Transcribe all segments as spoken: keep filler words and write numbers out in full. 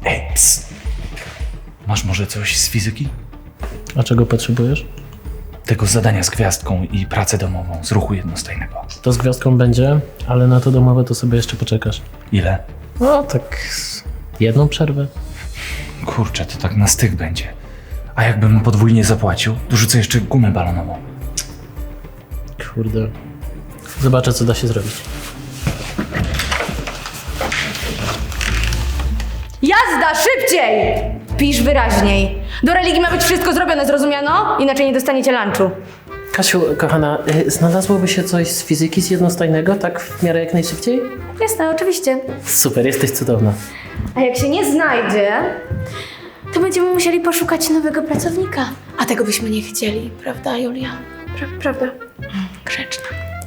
Ej, ps. Masz może coś z fizyki? A czego potrzebujesz? Tego zadania z gwiazdką i pracę domową z ruchu jednostajnego. To z gwiazdką będzie, ale na to domowe to sobie jeszcze poczekasz. Ile? No tak z jedną przerwę. Kurczę, to tak na styk będzie. A jakbym podwójnie zapłacił, dorzucę jeszcze gumę balonową. Kurde. Zobaczę, co da się zrobić. Jazda, szybciej! Pisz wyraźniej. Do religii ma być wszystko zrobione, zrozumiano? Inaczej nie dostaniecie lunchu. Kasiu, kochana, y, znalazłoby się coś z fizyki z jednostajnego, tak w miarę jak najszybciej? Jasne, oczywiście. Super, jesteś cudowna. A jak się nie znajdzie, to będziemy musieli poszukać nowego pracownika. A tego byśmy nie chcieli, prawda, Julia? Pra prawda? Grzeczna.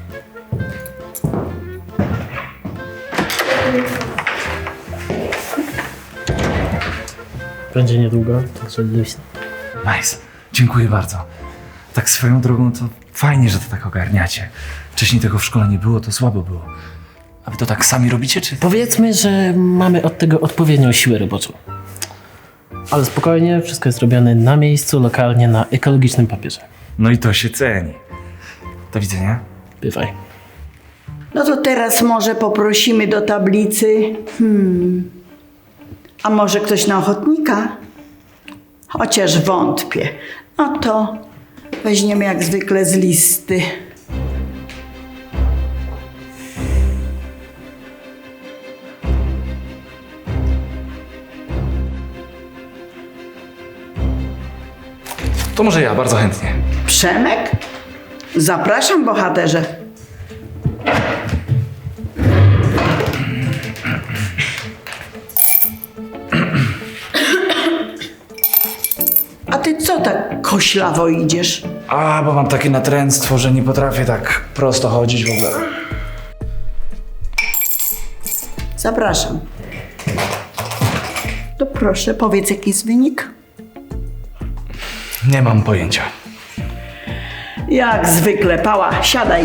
Będzie niedługo, także luźno. Nice. Dziękuję bardzo. Tak swoją drogą to fajnie, że to tak ogarniacie. Wcześniej tego w szkole nie było, to słabo było. A wy to tak sami robicie, czy... Powiedzmy, że mamy od tego odpowiednią siłę roboczą. Ale spokojnie, wszystko jest robione na miejscu, lokalnie, na ekologicznym papierze. No i to się ceni. Do widzenia. Bywaj. No to teraz może poprosimy do tablicy. Hmm. A może ktoś na ochotnika? Chociaż wątpię. No to weźmiemy jak zwykle z listy. To może ja, bardzo chętnie. Przemek? Zapraszam, bohaterze. A ty co tak koślawo idziesz? A, bo mam takie natręctwo, że nie potrafię tak prosto chodzić w ogóle. Zapraszam. To proszę, powiedz jaki jest wynik. Nie mam pojęcia. Jak zwykle, pała, siadaj.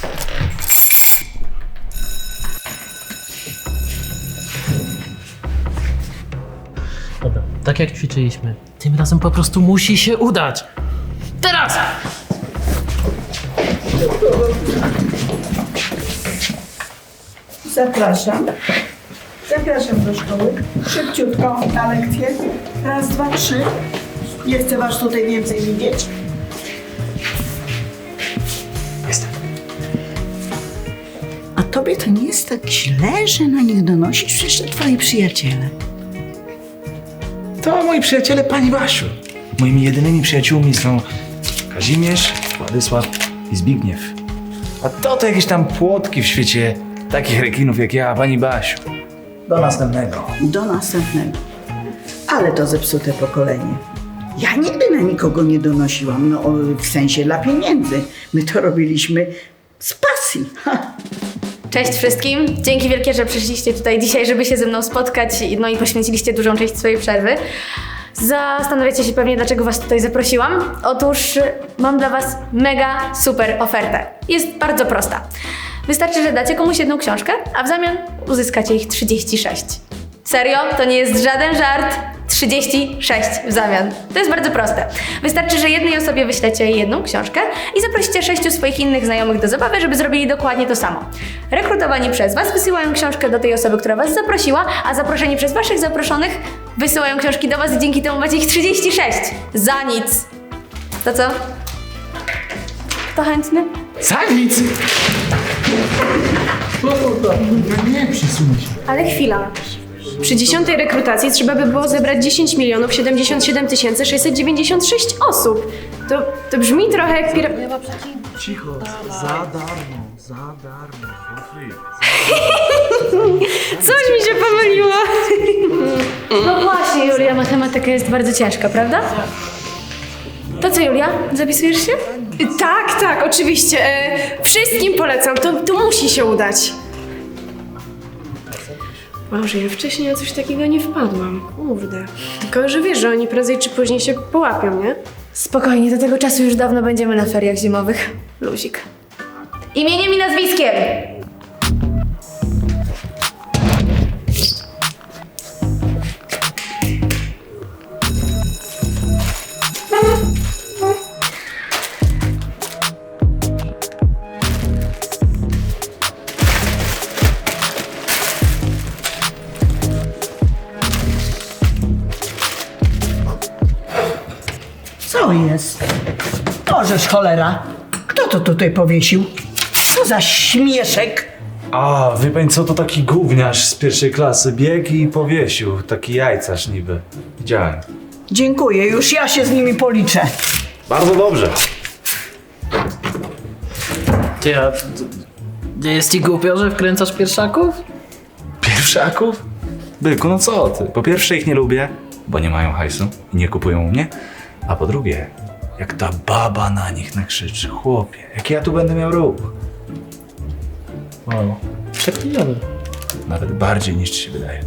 Dobra, tak jak ćwiczyliśmy. Tym razem po prostu musi się udać. Teraz! Zapraszam. Zapraszam do szkoły. Szybciutko na lekcję. Raz, dwa, trzy. Nie chcę was tutaj więcej widzieć. Jestem. A tobie to nie jest tak źle, że na nich donosisz? Przecież to twoi przyjaciele. To moi przyjaciele pani Basiu. Moimi jedynymi przyjaciółmi są Kazimierz, Władysław i Zbigniew. A to to jakieś tam płotki w świecie takich rekinów jak ja, pani Basiu. Do następnego. Do następnego. Ale to zepsute pokolenie. Ja nigdy na nikogo nie donosiłam, no w sensie dla pieniędzy. My to robiliśmy z pasji. Ha. Cześć wszystkim. Dzięki wielkie, że przyszliście tutaj dzisiaj, żeby się ze mną spotkać, no i poświęciliście dużą część swojej przerwy. Zastanawiacie się pewnie, dlaczego was tutaj zaprosiłam. Otóż mam dla was mega super ofertę. Jest bardzo prosta. Wystarczy, że dacie komuś jedną książkę, a w zamian uzyskacie ich trzydzieści sześć. Serio? To nie jest żaden żart. trzydzieści sześć w zamian. To jest bardzo proste. Wystarczy, że jednej osobie wyślecie jedną książkę i zaprosicie sześciu swoich innych znajomych do zabawy, żeby zrobili dokładnie to samo. Rekrutowani przez was wysyłają książkę do tej osoby, która was zaprosiła, a zaproszeni przez waszych zaproszonych wysyłają książki do was i dzięki temu macie ich trzydzieści sześć. Za nic. To co? Kto chętny? Za nic! Nie, przesuń się. Ale chwila. Przy dziesiątej rekrutacji trzeba by było zebrać dziesięć milionów siedemdziesiąt siedem tysięcy sześćset dziewięćdziesiąt sześć osób. To, to brzmi trochę jak pira... Cicho, za darmo, za darmo, for free. Coś mi się pomyliło. No właśnie, Julia, matematyka jest bardzo ciężka, prawda? To co, Julia? Zapisujesz się? Tak, tak, oczywiście. E, wszystkim polecam, to, to musi się udać. Boże, ja wcześniej na coś takiego nie wpadłam. Kurde. Tylko, że wiesz, że oni prędzej czy później się połapią, nie? Spokojnie, do tego czasu już dawno będziemy na feriach zimowych. Luzik. Imieniem i nazwiskiem! Co jest? Możesz cholera. Kto to tutaj powiesił? Co za śmieszek? A, wie pani co, to taki gówniarz z pierwszej klasy biegł i powiesił. Taki jajcarz niby. Widziałem. Dziękuję, już ja się z nimi policzę. Bardzo dobrze. Ty, a nie jest ci głupio, że wkręcasz pierwszaków? Pierwszaków? Byku, no co ty? Po pierwsze ich nie lubię, bo nie mają hajsu i nie kupują u mnie. A po drugie, jak ta baba na nich nakrzyczy. Chłopie, jaki ja tu będę miał ruch? Wow. Przekliniowy. Nawet bardziej niż ci się wydaje.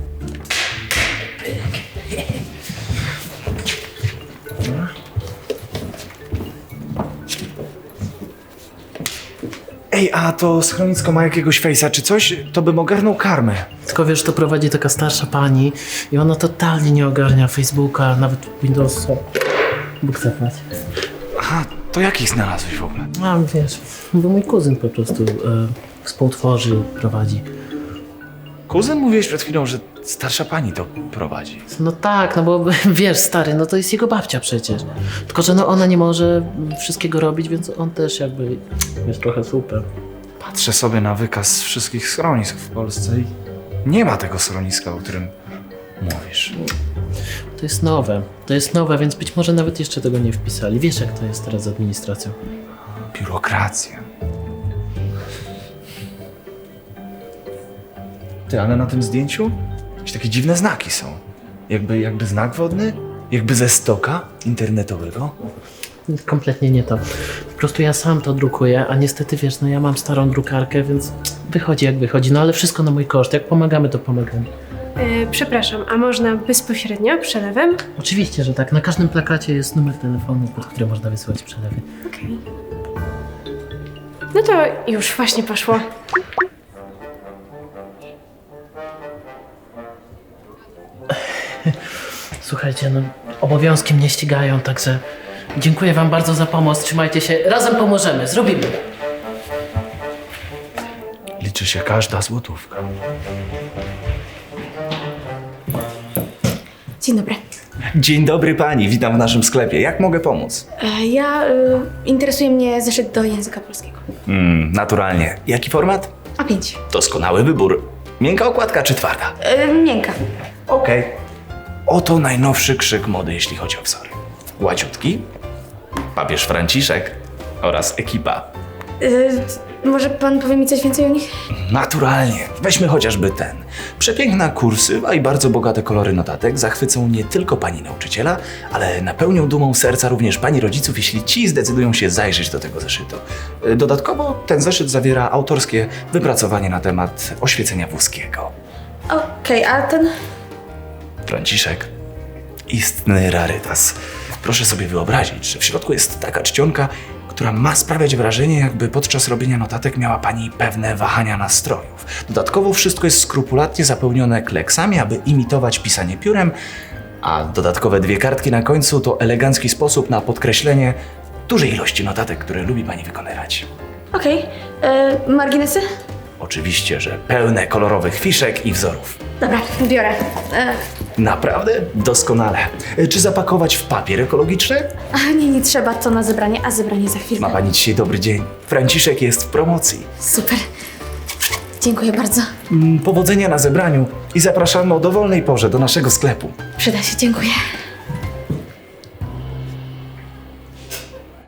Ej, a to schronisko ma jakiegoś fejsa czy coś? To bym ogarnął karmę. Tylko wiesz, to prowadzi taka starsza pani i ona totalnie nie ogarnia Facebooka, nawet Windowsa. Bóg zapłać. Aha, to jakich znalazłeś w ogóle? A wiesz, bo mój kuzyn po prostu e, współtworzy, prowadzi. Kuzyn mówiłeś przed chwilą, że starsza pani to prowadzi. No tak, no bo wiesz, stary, no to jest jego babcia przecież. Tylko, że no ona nie może wszystkiego robić, więc on też jakby jest trochę super. Patrzę sobie na wykaz wszystkich schronisk w Polsce i nie ma tego schroniska, o którym mówisz. To jest nowe, to jest nowe, więc być może nawet jeszcze tego nie wpisali. Wiesz, jak to jest teraz z administracją. Biurokracja. Ty, ale na tym zdjęciu jakieś takie dziwne znaki są. Jakby, jakby znak wodny? Jakby ze stoka internetowego? Kompletnie nie to. Po prostu ja sam to drukuję, a niestety wiesz, no ja mam starą drukarkę, więc wychodzi jak wychodzi, no ale wszystko na mój koszt. Jak pomagamy, to pomagamy. E, przepraszam, a można bezpośrednio, przelewem? Oczywiście, że tak. Na każdym plakacie jest numer telefonu, pod który można wysyłać przelewy. Okej. No to już, właśnie poszło. Słuchajcie, no obowiązki mnie ścigają, także dziękuję wam bardzo za pomoc. Trzymajcie się, razem pomożemy, zrobimy. Liczy się każda złotówka. Dzień dobry. Dzień dobry pani, witam w naszym sklepie. Jak mogę pomóc? E, Ja... Y, interesuje mnie zeszyt do języka polskiego. Mm, naturalnie. Jaki format? A pięć. Doskonały wybór. Miękka okładka czy twarda? Y, miękka. Okej. Oto najnowszy krzyk mody, jeśli chodzi o wzory. Łaciutki, papież Franciszek oraz ekipa. Y, może pan powie mi coś więcej o nich? Naturalnie. Weźmy chociażby ten. Przepiękna kursywa i bardzo bogate kolory notatek zachwycą nie tylko pani nauczyciela, ale napełnią dumą serca również pani rodziców, jeśli ci zdecydują się zajrzeć do tego zeszytu. Dodatkowo ten zeszyt zawiera autorskie wypracowanie na temat oświecenia włoskiego. Okej, a ten... Franciszek. Istny rarytas. Proszę sobie wyobrazić, że w środku jest taka czcionka, która ma sprawiać wrażenie, jakby podczas robienia notatek miała pani pewne wahania nastrojów. Dodatkowo wszystko jest skrupulatnie zapełnione kleksami, aby imitować pisanie piórem, a dodatkowe dwie kartki na końcu to elegancki sposób na podkreślenie dużej ilości notatek, które lubi pani wykonywać. Okej. Y, marginesy? Oczywiście, że pełne kolorowych fiszek i wzorów. Dobra, biorę. Y, Naprawdę? Doskonale. Czy zapakować w papier ekologiczny? a nie, nie trzeba, to na zebranie, a zebranie za chwilę. Ma pani dzisiaj dobry dzień. Franciszek jest w promocji. Super. Dziękuję bardzo. Mm, Powodzenia na zebraniu i zapraszamy o dowolnej porze do naszego sklepu. Przyda się, dziękuję.